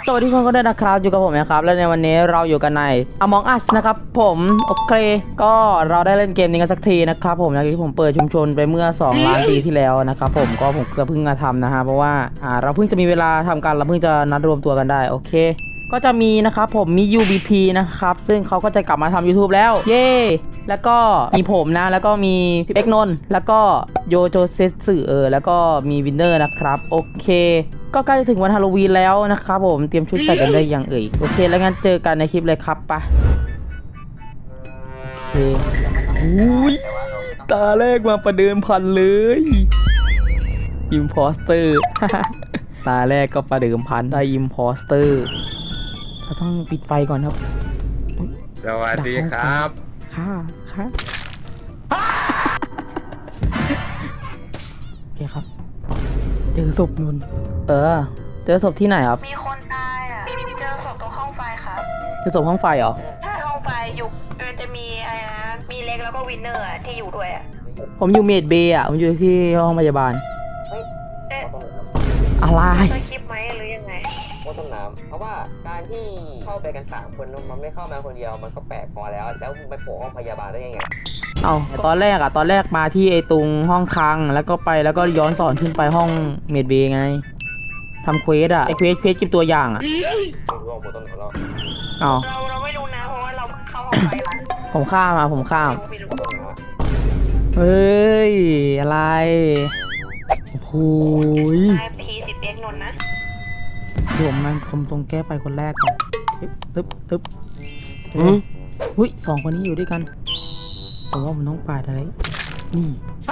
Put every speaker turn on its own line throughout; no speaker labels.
สวัสดีทุกคนก็ด้วยนะครับอยู่กับผมนะครับและในวันนี้เราอยู่กันใน Among Us นะครับผมโอเคก็เราได้เล่นเกมนี้กันสักทีนะครับผมอย่างที่ผมเปิดชุมชนไปเมื่อ2 ล้านปีที่แล้วนะครับผมก็เพิ่งมาทำนะฮะเพราะว่าเราเพิ่งจะมีเวลาทำกันเราเพิ่งจะนัดรวมตัวกันได้โอเคก็จะมีนะครับผมมี UBP นะครับซึ่งเขาก็จะกลับมาทำ YouTube แล้วเย้แล้วก็มีผมนะแล้วก็มีพี่เอ็กนนท์แล้วก็โยโจเซสึแล้วก็มีวินเนอร์นะครับโอเคก็ใกล้จะถึงวันฮาโลวีนแล้วนะครับผมเตรียมชุดใส่กันได้ยังเอ่ยโอเคแล้วงั้นเจอกันในคลิปเลยครับปะโอเคอุ้ยตาแรกมาประเดิมพันเลยอิมพอสเตอร์ ตาแรกก็ประเดิมพันได้อิมพอสเตอร์เราต้องปิดไฟก่อนครับ
สวัสดีครับ
ค่ะโอเคครับเจอศพนุนเจอศพที่ไหนครับ
มีคนตายอ่ะเจอศพตรงห้องไฟครับ
เจอศพห้องไฟเหรอ
ใช่ห้องไฟอยู่มันจะมีอะไรนะมีเล็กแล้วก็วินเนอร์ที่อยู่ด้วยอ่ะ
ผมอยู่เมดเบย์อ่ะผมอยู่ที่ห้องพยาบาลอะไร
เคยคลิปไหมหรือยังไง
ว่าต้นน้ำเพราะว่าการที่เข้าไปกัน3 คนมันไม่เข้ามาคนเดียวมันก็แปลกพอแล้วไปโผล่ห้องพยาบาลได้ยังไง
ตอนแรกมาที่ไอ้ตรงห้องคลังแล้วก็ย้อนสอนขึ้นไปห้องเมดเบย์ไงทำเควสอ่ะไอ้เควสเก็บตัวอย่างอ่ะ
ไม่รู้ว่าหมดต้นน้ำแล้ว
เราไม่รู้นะเพราะว่าเราเพิ่งเข้าห้องไฟมา
ผมข้ามเฮ้ยอะไรโอ้ย
P10X นนท์นะ
ผมตรงแก้ไฟคนแรกก่อนตึ๊บหุ้ย2 คนนี้อยู่ด้วยกันผมว่าผมต้องปาดอะไรนี่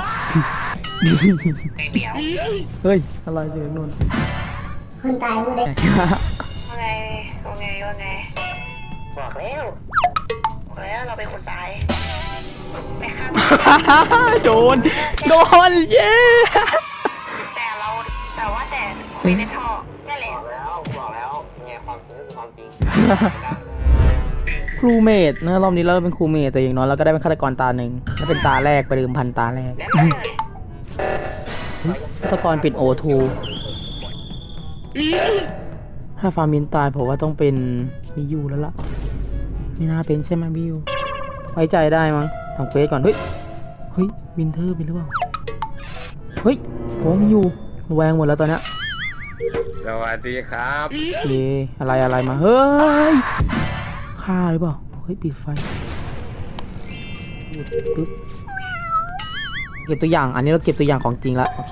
เฮ้ยอะไรเสียงนนท์
คนตายไม่ได้ว่าไงบอกแล้วเราเป็นคนตายไม่ฆ่า
โดนเย้
แต่คุยในท่อนั่นแหละ
บอกแล้วไงความจริงคือความจริง
ครูเมดนะรอบนี้เราเป็นครูเมดแต่อย่างน้อยเราก็ได้เป็นฆาตกรตาหนึ่งและเป็นตาแรกไปเดิมพันตาแรกฆาตกรเป็น O2 ถ้าฟาร์มินตายผมว่าต้องเป็นมิยูแล้วล่ะไม่น่าเป็นใช่ไหมมิยูไว้ใจได้มั้งทำเควสก่อนเฮ้ยวินเทอร์เป็นหรือเปล่าเฮ้ยผมมิยูแวงหมดแล้วตอนนี้
สวัสดีครับ
เย่อะไรมาเฮ้ยฆ่าหรือเปล่าเฮ้ยปิดไฟปึ๊บเก็บตัวอย่างอันนี้เราเก็บตัวอย่างของจริงละโอเค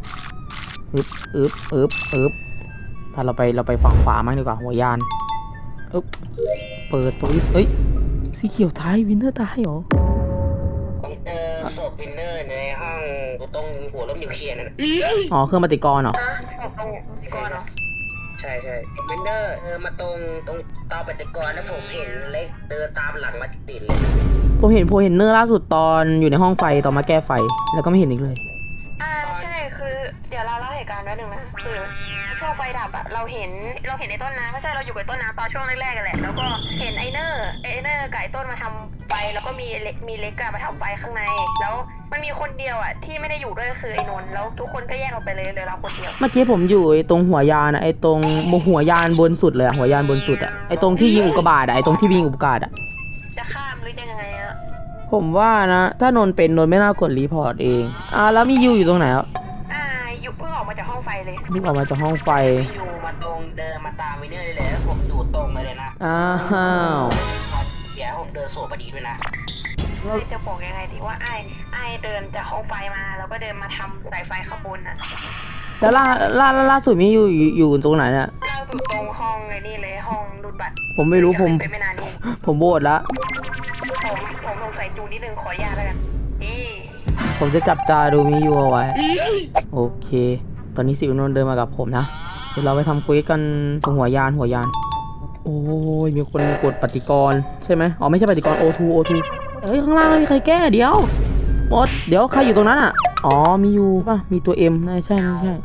พาเราไปฝั่งขวามั้งดีกว่าหัวยานเปิดสวิตช์สีเขียวท้ายวินเทอร์ตายเหรอ
ผมเจอศพวินเนอร์ในห้องตรงหัวลมนิวเคลียร์นั่น
อ๋อเครื่องปฏิกรณ์เหรอ
ตรงปฏิกรณ์เหรอ
ใช่วินเนอร์มาตรงเตาปฏิกรณ์แล้วผมเห็นเล็กเดินตามหลังมาติดเลย
ผมเห็นเนอร์ล่าสุดตอนอยู่ในห้องไฟตอนมาแก้ไฟแล้วก็ไม่เห็นอีกเลย
ใช่คือเดี๋ยวเราเล่าเหตุการณ์ไว้หนึ่งนะคือช่วงไฟดับอะเราเห็นในต้นน้ำไม่ใช่เราอยู่กับต้นน้ำตอนช่วงแรกๆกันแหละแล้วก็เห็นไอเนอร์ไก่ต้นมาทำไฟแล้วก็มีเล็กมาทำไฟข้างในแล้วมันมีคนเดียวอะที่ไม่ได้อยู่ด้วยคือไอ้นนท์แล้วทุกคนก็แยกออกไปเลยเราคนเดียว
เมื่อกี้ผมอยู่ตรงหัวยานอะตรงหัวยานบนสุดเลยหัวยานบนสุดอะตรงที่ยิงอุกกาบาตอะตรงที่ยิงอุกกาบาตอะ
จะข้ามหรือยังไงอะ
ผมว่านะถ้านนเป็นนนไม่น่ากดรีพอร์ตเองแล้วมียูอยู่ตรงไหนอ่ะ
ยูเพิ่งออกมาจากห้องไฟเลย
เพิ่งออกมาจากห้องไฟ
ยูมาตรงเดินมาตามวินเนอร์ได้เลยแล้วผมดูตรงเลยนะ
อ้าว
เดี๋ยวผมเดินโซ่พอดีด้วยนะ
จะบอกยังไงดีว่าไอเดินจากห้องไฟมาแล้วก็เดินมาทำสายไฟข้างบนน่ะ
แล้วล่าสุดมีอยู่ตรงไหนเนี่ย
ล่าสุดตรงห้องนี่เลยห้องรูดบัตร
ผมไม่รู้ผมโบดละ
ผมลงใส่จูนิดนึงขออนุญาตแล้วกัน
ผมจะจับตาดูมีอยู่เอาไว้โอเคตอนนี้สิวนนเดินมากับผมนะเดี๋ยวเราไปทำคุยกันตรงหัวยานโอ้ยมีคนกดปฏิกรณ์ใช่ไหมอ๋อไม่ใช่ปฏิกรณ์ O2 ข้างล่างไม่มีใครแก้เดี๋ยวหมดเดี๋ยวใครอยู่ตรงนั้นอ่ะอ๋อมีอยู่ป่ะมีตัว M ใช่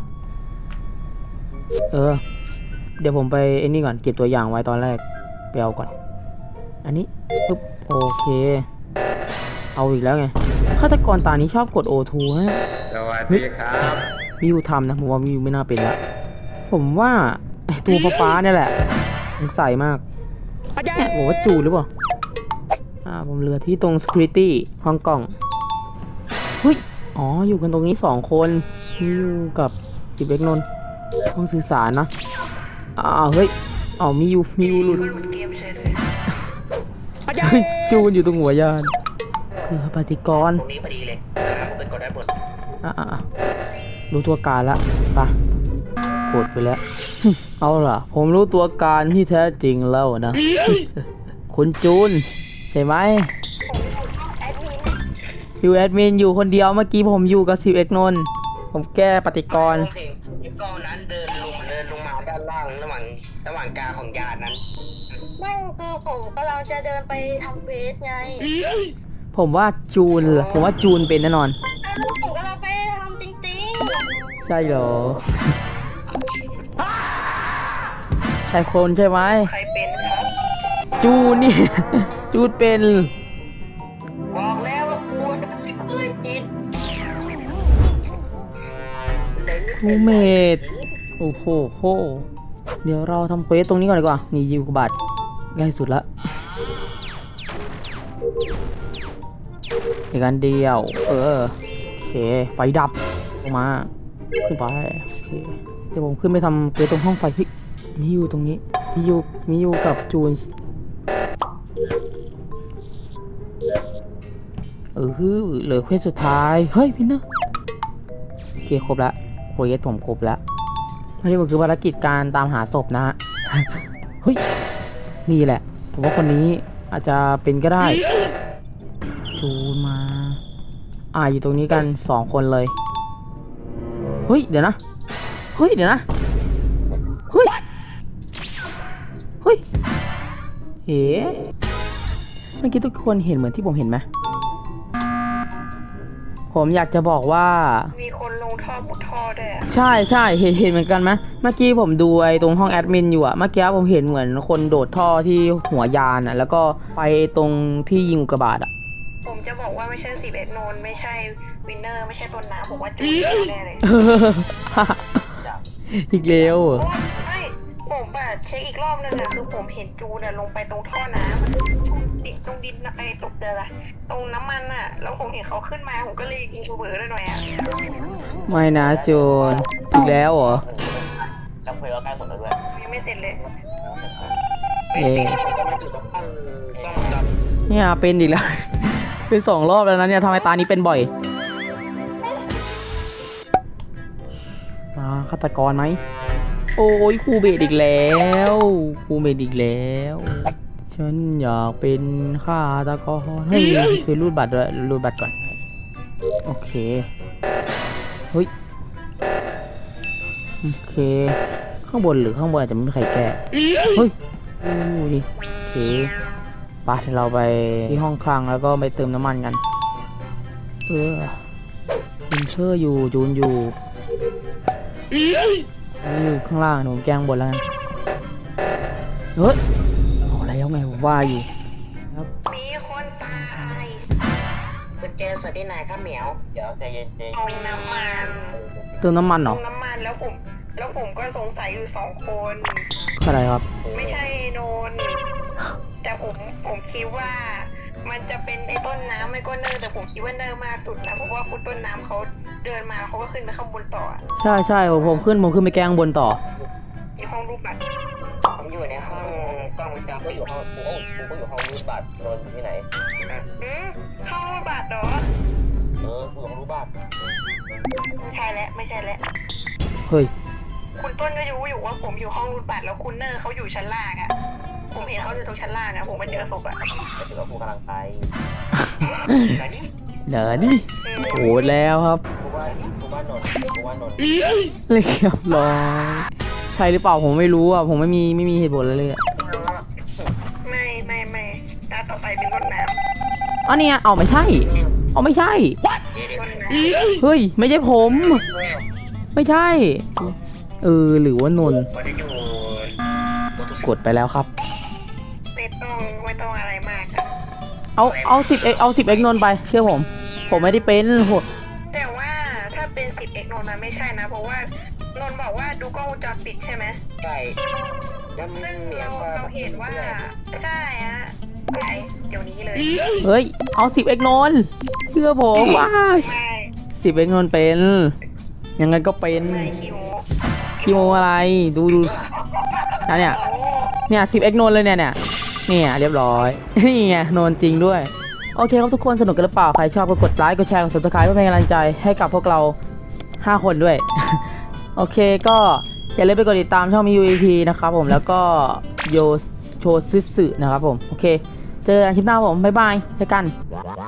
เดี๋ยวผมไปไอ้นี่ก่อนเก็บตัวอย่างไว้ตอนแรกไปเอาก่อนอันนี้ปึ๊บโอเคเอาอีกแล้วไงฆาตกรตานี้ชอบกด O2 ฮะ
สวัสดีครับ
มิวทำนะผมว่ามิวไม่น่าเป็นละผมว่าไอตัวฟ้าๆเนี่ยแหละสงสัยมากเนี่ยบอกว่าจูนหรือเปล่าผมเหลือที่ตรง security ห้องกล่องเฮ้ยอ๋ออยู่กันตรงนี้2 คนอยู่กับ10 เอกนนท์ห้องสื่อสารนะเฮ้ยมีอยู่หลุด
หลุดเกมเฉยเลย
จูนอยู่ตรงหัวยานคือปฏิกรณ์
ตรงนี้พอดีเลยผมเป็นกดได้หมด
รู้ตัวการละไปกดไปแล้ว เอาล่ะ ผมรู้ตัวการที่แท้จริงแล้วนะ คุณจูนใช่ไหม
แอดมิน
อยู่แอดมินอยู่คนเดียวเมื่อกี้ผมอยู่กับ10 เอกนนท์ผมแก้ปฏิกรณ์
ไอ้กองนั้นเดินลงมาด้านล่างระหว่างกลางของยานนั้น
ไม่คือผมกำลังจะเดินไปทำเวสไง
ผมว่าจูนเหรอผมว่าจูนเป็นแน่นอน
ผมกำลังไปทำจริง
ใช่เหรอ ใช่คนใช่ไหม
ๆ ใครเป็นครับ
จูนนี่ จูนเป็น
บอกแล้วว่ากูจะไม่เคยผิด
ทูเมดโอ้โหเดี๋ยวเราทำเควสตรงนี้ก่อนดีกว่า นี่ยิวกบบัตรง่ายสุดละอีกอันเดียว โอเค ไฟดับลงมา ขึ้นไปโอเคเดี๋ยวผมขึ้นไปทำเควสตรงห้องไฟพี่มีอยู่ตรงนี้ มีอยู่กับจูนเหลือเควสสุดท้าย เฮ้ยพี่เนอะโอเคครบละเควสผมครบแล้วอันนี้ก็คือภารกิจการตามหาศพนะฮะ เฮ้ย นี่แหละ ผมว่าคนนี้อาจจะเป็นก็ได้ จูนมา อยู่ตรงนี้กัน2 คนเลย เฮ้ย เดี๋ยวนะ เฮ้ย เดี๋ยวนะ เฮ้ย เฮ้ย เมื่อกี้ทุกคนเห็นเหมือนที่ผมเห็นไหม ผมอยากจะบอกว่า
มีคนลงท่อมุดท่อด้วยอะ
ใช่เห็นเหมือนกันไหมเมื่อกี้ผมดูไอ้ตรงห้องแอดมินอยู่อะเมื่อกี้ผมเห็นเหมือนคนโดดท่อที่หัวยานอะแล้วก็ไปตรงที่ยิงอุกกาบาตอะ
ผมจะบอกว่าไม่ใช่11 โนนไม่ใช่วินเนอร์ไม่ใช่ต้นน้ำผมว่าจูนแน่เลย
อีกแล้วเหรอ
เพราะว่าไม่ผมแบบเช็คอีกรอบนึงอะคือผมเห็นจูนอะลงไปตรงท่อน้ำตรงดินไอ้ตกเดือตรงน้ำมันอะแล้วผมเห็นเขาขึ้นมาผมก็เลยยิงกูเบอร์ด้วยหน่อยอะ
ไม่นะโจนอีกแล้วเหรอ
แล้วเพลก็ใกล้หมดแล้วด้วย
ยังไม่เสร็จเลย
เอ๊ะ
ก็ไม่ถึงต้องจับ
เนี่ยเป็นอีกแล้ว เป็น2 รอบแล้วนะเนี่ยทำไมตานี้เป็นบ่อยฆาตกรไหมโอ้ยครูเบดอีกแล้วครูเบดอีกแล้วฉันอยากเป็นฆาตกรเฮ้ยคือรูดบัตรด้วยรูดบัตรก่อนโอเคเฮ้ยโอเคข้างบนหรือข้างบนอาจจะไม่มีใครแก้เฮ้ยดูดิโอเคไปเราไปที่ห้องคลังแล้วก็ไปเติมน้ำมันกันอินเชอร์อยู่จูนอยู่ข้างล่างหนูแกล้งบนแล้วกันเฮ้ยเอาแล้วไงผมว่าอยู่ครับ
มีคนตาย
เป็นเจสวัสดีนายครับเหมียวเดี๋ยวใจเย็น
ตรงน้ำมัน
เติมน้ำมันเห
ต
ร
ร
อง
น้ำมันแล้วผมก็สงสัยอยู่2 คน
อะไรครับ
ไม่ใช่โนนแต่ผมคิดว่ามันจะเป็นไอ้ต้นน้ำไม่ก็เนอร์แต่ผมคิดว่าเนอร์มากสุดนะเพราะว่าคุณต้นน้ำเขาเดินมาเขาก็ขึ้นไปข้างบนต่อ
ใช่ผมขึ้นไปแกล้งบนต่อ
ที่ห้องรูปบัตร
ผมอยู่ในห้องกล้องวงจรปิดอยู่ห้องกูก็อยู่ห้องรูปบัตรนนที่ไหน
ห้องรูปบัตรเหรอ
กูอยู่ห้องรูปบัตร
ไม่ใช่แล้ว
เฮ้ย
คุณต้นก็รู้อยู่ว่าผมอยู่ห้องรูปบัตรแล้วคุณเนอร์เขาอยู่ชั้นล่างอะผมเห็นเขาอยู่ตรงชั้นล่างอะผมมาเจอศพอะ
แต่ถือว่ากูกำลังไป
เดี๋ยวดิโอ้แล้วครับ
กูว่านนท์
เรียบร้อยใช่หรือเปล่าผมไม่รู้อ่ะผมไม่มีเหตุผลเลยอ่ะ
ไม่ตาต่อไปเป็นต้นน้
อ๋อเนี่ยเอาไม่ใช่ไม่ใช่
ำต้นน้ำ
เฮ้ยไม่ใช่ผมไม่ใช่หรือว่านนท์กดไปแล้วครับ
ไม่ต้องอะไรมากอะ
เอา10 เอ็กนนท์ไปเชื่อผมไม่ได้เป็นโห
แต่ว่าถ้าเป็น10 เอกนนท์มันไม่ใช่นะเพราะว่านนท์บอกว่าดูกล้องวงจรปิดใช่ไหม
ใช่แล้ว
ซึ่ง
เหมีย
เราเห็นว่าใช่ฮะไปเดี๋ยวนี้เลย
เฮ้ยเอา10 เอกนนท์เชื่อผมว้าย
ไม่
10 เอกนนท์เป็นยังไงก็เป็น
ไม่คิว
คิโมอะไรดูนะเนี่ย
โอ้
เนี่ย10 เอกนนท์เลยเนี่ยเรียบร้อยนี่ไงนนท์จริงด้วยโอเคครับทุกคนสนุกกันหรือเปล่าใครชอบก็กดไลค์กดแชร์กด subscribe เพื่อเป็นกำลังใจให้กับพวกเรา5 คนด้วย โอเคก็อย่าลืมไปกดติดตามช่อง MIUEP นะครับผมแล้วก็โยโชซึสึนะครับผมโอเคเจอกันคลิปหน้าผมบ๊ายบายเจอกัน